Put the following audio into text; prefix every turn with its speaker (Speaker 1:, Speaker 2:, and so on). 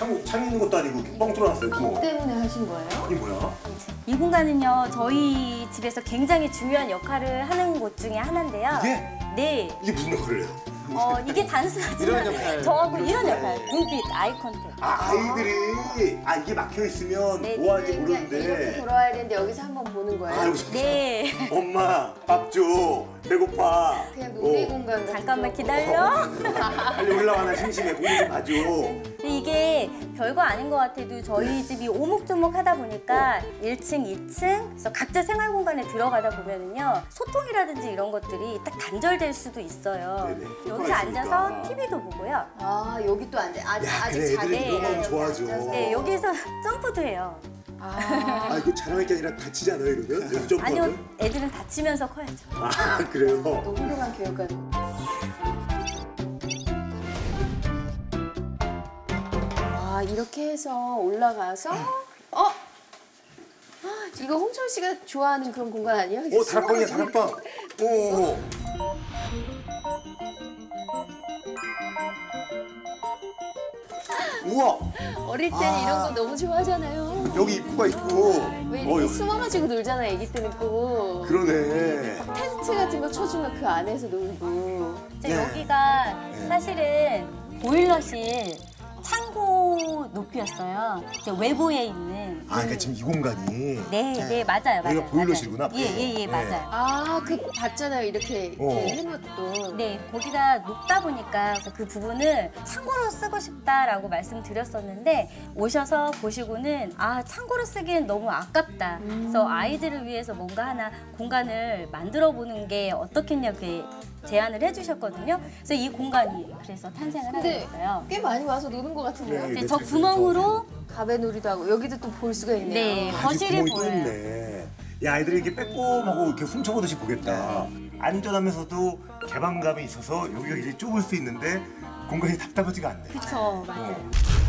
Speaker 1: 창 있는 것도 아니고 이렇게 뻥 뚫어놨어요, 구멍.
Speaker 2: 뭐 때문에 하신 거예요?
Speaker 1: 이게 뭐야?
Speaker 3: 이 공간은요, 저희 집에서 굉장히 중요한 역할을 하는 곳 중에 하나인데요.
Speaker 1: 이게?
Speaker 3: 네.
Speaker 1: 이게 무슨 역할을 해요?
Speaker 3: 이게 단순하지만
Speaker 4: 이런 역할.
Speaker 3: 저하고 이런 역할, 눈빛, 아이 컨택.
Speaker 1: 아이들이 이게 막혀 있으면
Speaker 3: 네,
Speaker 1: 뭐 하는지
Speaker 2: 이렇게
Speaker 1: 모르는데.
Speaker 2: 돌아와야 되는데 여기서 한번 보는 거예요?
Speaker 1: 아유,
Speaker 3: 네.
Speaker 1: 엄마 밥 줘. 배고파.
Speaker 2: 그냥 놀이 공간 같은
Speaker 3: 잠깐만
Speaker 2: 거.
Speaker 3: 기다려.
Speaker 1: 빨리 올라와나 심심해. 공부 좀 봐줘.
Speaker 3: 근데 이게 별거 아닌 것 같아도 저희 집이 오목조목 하다 보니까 1층, 2층 그래서 각자 생활 공간에 들어가다 보면은요 소통이라든지 이런 것들이 딱 단절될 수도 있어요.
Speaker 1: 네네.
Speaker 3: 여기서 앉아서 TV도 보고요.
Speaker 2: 아 여기 또 안 돼. 아직
Speaker 1: 그래,
Speaker 2: 작게.
Speaker 1: 애들이 이런 거
Speaker 2: 여기
Speaker 1: 좋아하죠.
Speaker 2: 앉아서.
Speaker 3: 네, 여기서 점프도 해요.
Speaker 2: 아,
Speaker 1: 이거 자랑할 게 아니라 다치지 않아요, 이러면? 여기서 점프하면?
Speaker 3: 아니요, 애들은 다치면서 커야죠.
Speaker 1: 그래요?
Speaker 2: 너무 훌륭한 교육관. 와 이렇게 해서 올라가서 이거 홍철 씨가 좋아하는 그런 공간 아니에요?
Speaker 1: 다락방이야, 다락방. 오. 우와,
Speaker 2: 어릴 때는 이런 거 너무 좋아하잖아요.
Speaker 1: 여기 입구가 있고.
Speaker 2: 왜 이렇게
Speaker 1: 여기.
Speaker 2: 숨어가지고 놀잖아요, 애기 때는 꼭.
Speaker 1: 그러네.
Speaker 2: 텐트 같은 거 쳐주면 그 안에서 놀고.
Speaker 3: 이제
Speaker 1: 네.
Speaker 3: 여기가 사실은 보일러실 창고 높이였어요. 이제 외부에 있는.
Speaker 1: 그러니까 지금 이 공간이.
Speaker 3: 네, 맞아요.
Speaker 1: 여기가 보일러실이구나,
Speaker 3: 예,
Speaker 1: 앞에서.
Speaker 3: 예,
Speaker 1: 네.
Speaker 3: 맞아요.
Speaker 2: 아, 그 봤잖아요, 이렇게 해놓고.
Speaker 3: 네, 거기가 높다 보니까 그 부분을 창고로 쓰고 싶다라고 말씀드렸었는데 오셔서 보시고는 창고로 쓰기엔 너무 아깝다. 그래서 아이들을 위해서 뭔가 하나 공간을 만들어 보는 게 어떻겠냐고 제안을 해주셨거든요. 그래서 이 공간이 그래서 탄생을 하게
Speaker 2: 근데
Speaker 3: 됐어요.
Speaker 2: 꽤 많이 와서 노는 것 같은데요.
Speaker 1: 네.
Speaker 3: 이제 저 구멍으로
Speaker 2: 가베놀이도 하고 여기도 또 볼 수가 있네요.
Speaker 3: 네,
Speaker 1: 아직
Speaker 3: 거실이
Speaker 1: 구멍이 또
Speaker 3: 보여요.
Speaker 1: 있네. 야, 아이들이 이렇게 빼꼼하고 이렇게 훔쳐보듯이 보겠다. 안전하면서도 개방감이 있어서 여기가 이제 좁을 수 있는데 공간이 답답하지가 않네.
Speaker 3: 그쵸, 맞아요.